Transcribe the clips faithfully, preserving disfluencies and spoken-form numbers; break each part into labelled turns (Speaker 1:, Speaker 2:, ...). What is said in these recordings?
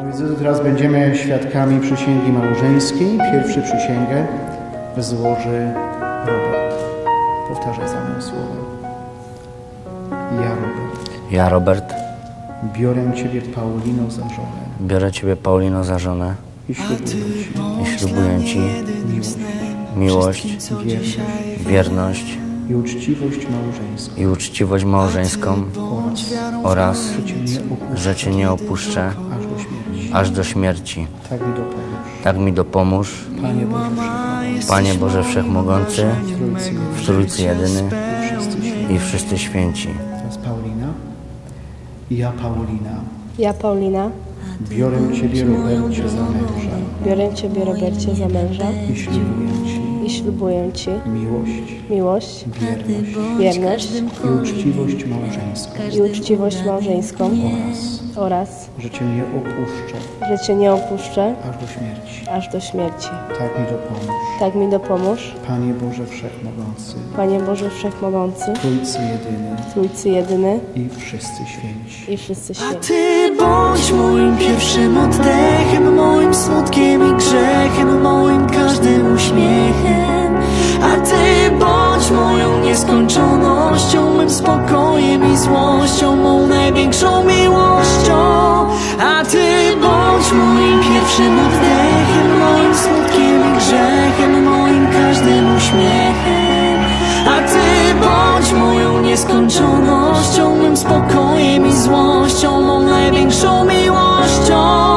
Speaker 1: Moi drodzy, teraz będziemy świadkami przysięgi małżeńskiej. Pierwszy przysięgę złoży Robert. Powtarzaj za mną słowa. Ja, Robert.
Speaker 2: Ja, Robert.
Speaker 1: Biorę Ciebie, Paulino, za żonę.
Speaker 2: Biorę Ciebie, Paulino, za żonę.
Speaker 1: I ślubuję Ci.
Speaker 2: I ślubuję Ci
Speaker 1: Miłość.
Speaker 2: miłość,
Speaker 1: Wierność.
Speaker 2: wierność
Speaker 1: I uczciwość małżeńską.
Speaker 2: i uczciwość małżeńską
Speaker 1: Oraz.
Speaker 2: oraz,
Speaker 1: że Cię nie opuszczę.
Speaker 2: że Cię nie opuszczę
Speaker 1: Aż do śmierci.
Speaker 2: aż do śmierci.
Speaker 1: Tak mi dopomóż.
Speaker 2: Tak mi dopomóż,
Speaker 1: Panie Boże Wszechmogący.
Speaker 2: Panie Boże Wszechmogący,
Speaker 1: W Trójcy
Speaker 2: w Trójcy Jedyny
Speaker 1: I wszyscy święci.
Speaker 2: i wszyscy święci.
Speaker 1: Teraz Paulina. Ja, Paulina,
Speaker 3: Ja, Paulina,
Speaker 1: biorę Ciebie, Robercie, za męża
Speaker 3: biorę Ciebie, Robercie, za męża
Speaker 1: i ślubuję Ci
Speaker 3: i ślubuję Ci
Speaker 1: miłość,
Speaker 3: miłość,
Speaker 1: wierność
Speaker 3: wierność
Speaker 1: i uczciwość małżeńską
Speaker 3: i uczciwość małżeńską
Speaker 1: oraz,
Speaker 3: oraz,
Speaker 1: że Cię nie opuszczę
Speaker 3: że Cię nie opuszczę
Speaker 1: aż do śmierci.
Speaker 3: aż do śmierci.
Speaker 1: Tak mi dopomóż.
Speaker 3: Tak mi dopomóż,
Speaker 1: Panie Boże Wszechmogący,
Speaker 3: Panie Boże Wszechmogący,
Speaker 1: Trójcy Jedyny
Speaker 3: Trójcy Jedyny
Speaker 1: i wszyscy święci.
Speaker 3: i wszyscy
Speaker 4: A
Speaker 3: święci.
Speaker 4: Ty bądź moim pierwszym oddechem, moim smutkiem i grzechem, moim każdym uśmiechem. A Ty bądź moją nieskończonością, mym spokojem i złością, mą największą miłością. A Ty bądź moim pierwszym oddechem, moim smutkiem i grzechem, moim każdym uśmiechem. A Ty bądź moją nieskończonością, mym spokojem i złością, mą największą miłością.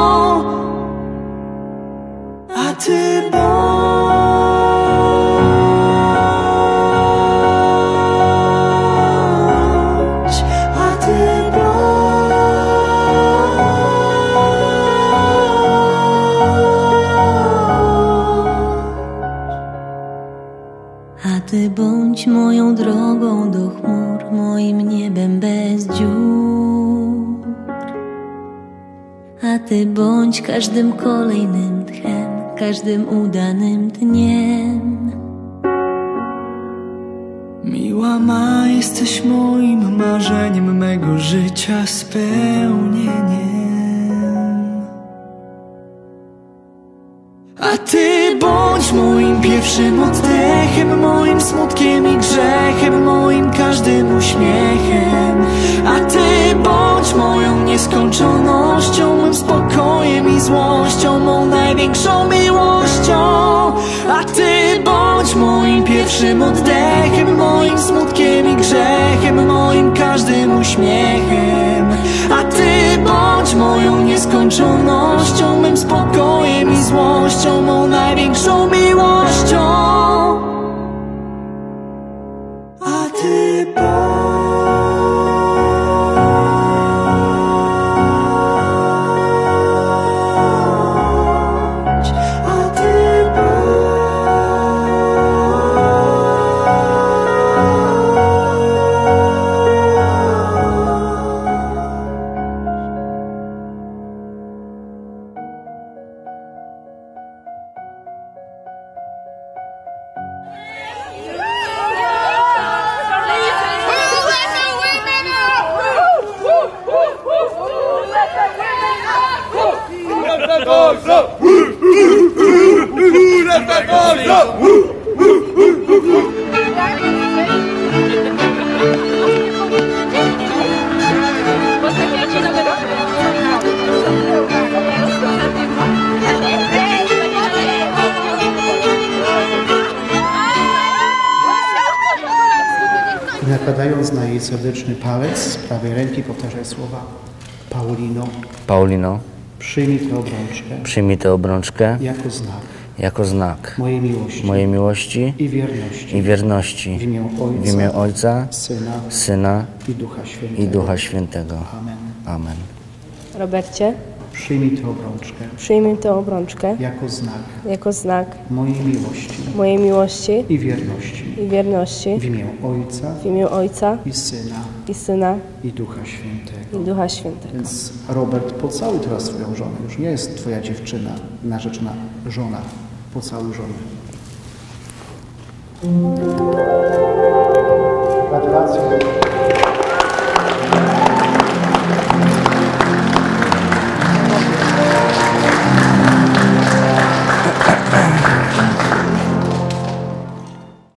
Speaker 4: A Ty bądź. A Ty A Ty bądź moją drogą do chmur, moim niebem bez dziur. A Ty bądź każdym kolejnym tchem, każdym udanym dniem. Miła ma, jesteś moim marzeniem, mego życia spełnieniem. A Ty bądź moim pierwszym oddechem, moim smutkiem i grzechem, moim każdym uśmiechem. A Ty bądź moją nieskończonością, mym spokojem i złością, mą największą miłością. A Ty bądź moim pierwszym oddechem, moim smutkiem i grzechem, moim każdym uśmiechem. A Ty bądź moją nieskończonością, mym spokojem i złością, mą największą miłością. A Ty bądź. A Ty
Speaker 1: I nakładając na jej serdeczny palec z prawej ręki powtarzaj słowa. Paulino,
Speaker 2: Paulino,
Speaker 1: przyjmij tę obrączkę
Speaker 2: przyjmij tę obrączkę
Speaker 1: jako znak
Speaker 2: jako znak
Speaker 1: mojej miłości
Speaker 2: mojej miłości
Speaker 1: i wierności
Speaker 2: i wierności
Speaker 1: w imię
Speaker 2: w
Speaker 1: Ojca,
Speaker 2: imię Ojca,
Speaker 1: Syna
Speaker 2: Syna
Speaker 1: i Ducha Świętego.
Speaker 2: i Ducha Świętego.
Speaker 1: Amen.
Speaker 2: Amen.
Speaker 3: Robercie,
Speaker 1: Przyjmij tę obrączkę
Speaker 3: przyjmij tę obrączkę
Speaker 1: jako znak
Speaker 3: jako znak
Speaker 1: mojej miłości
Speaker 3: mojej miłości
Speaker 1: i wierności
Speaker 3: i wierności
Speaker 1: w imię Ojca
Speaker 3: w imię Ojca
Speaker 1: i Syna
Speaker 3: i Syna
Speaker 1: i Ducha Świętego.
Speaker 3: i Ducha Świętego.
Speaker 1: Więc Robert, pocałuj teraz swoją żonę. Już nie jest twoja dziewczyna, narzeczona żona. Pocałuj żonę.